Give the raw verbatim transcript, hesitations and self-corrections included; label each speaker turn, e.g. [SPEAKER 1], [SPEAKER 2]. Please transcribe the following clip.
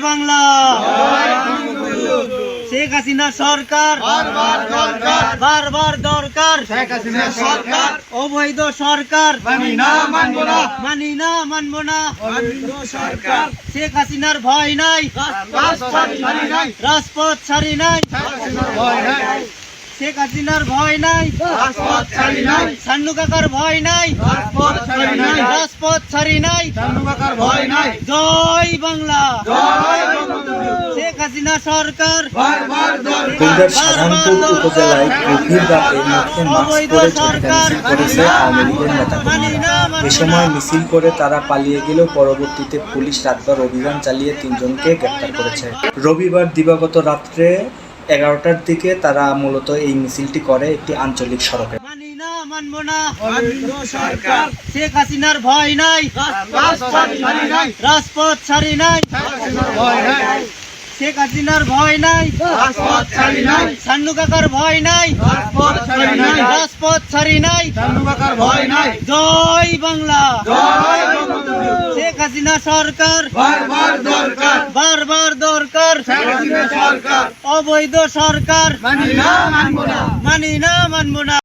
[SPEAKER 1] বাংলা, শেখ হাসিনা সরকার বারবার দরকার, বারবার দরকার শেখ হাসিনা সরকার, অবৈধ সরকার মানি না মানব না, মানি না মানব না, অবৈধ সরকার। শেখ হাসিনার ভয় নাই, রাজপথ ছাড়ি নাই, রাজপথ ছাড়ি নাই, শেখ হাসিনার ভয় নাই, রাজপথ ছাড়ি নাই, সান্নু কাকার ভয় নাই, রাজপথ ছাড়ি নাই, রাজপথ ছাড়ি নাই, সান্নু কাকার ভয় নাই। জয় বাংলা, জয় বঙ্গবন্ধু। শেখ হাসিনা সরকার বারবার
[SPEAKER 2] কুমিল্লার সাধারণপুর উপজেলায় গভীর রাতে মুখে মাস্ক পরে ঝটিকা মিছিল করেছে আওয়ামী লীগের নেতাকর্মীরা। এ সময় মিছিল করে তারা পালিয়ে গেলেও পরবর্তীতে পুলিশ রাতভর অভিযান চালিয়ে তিনজনকে গ্রেপ্তার করেছে। রবিবার দিবাগত রাত্রে এগারোটার দিকে তারা মূলত এই মিছিলটি করে একটি আঞ্চলিক সড়কে।
[SPEAKER 1] মানি না মানব না, অবৈধ সরকার। শেখ হাসিনার ভয় নাই, রাজপথ ছাড়ি নাই, রাজপথ ছাড়ি নাই, শেখ হাসিনার ভয় নাই, রাজপথ ছাড়ি নাই, সান্নু কাকার ভয় নাই, রাজপথ ছাড়ি নাই, রাজপথ ছাড়ি নাই, সান্নু কাকার ভয় নাই। জয় বাংলা, জয় বঙ্গবন্ধু। শেখ হাসিনা সরকার বারবার দরকার, বারবার দরকার শেখ হাসিনা সরকার, অবৈধ সরকার মানি না মানব না, মানি না মানব না।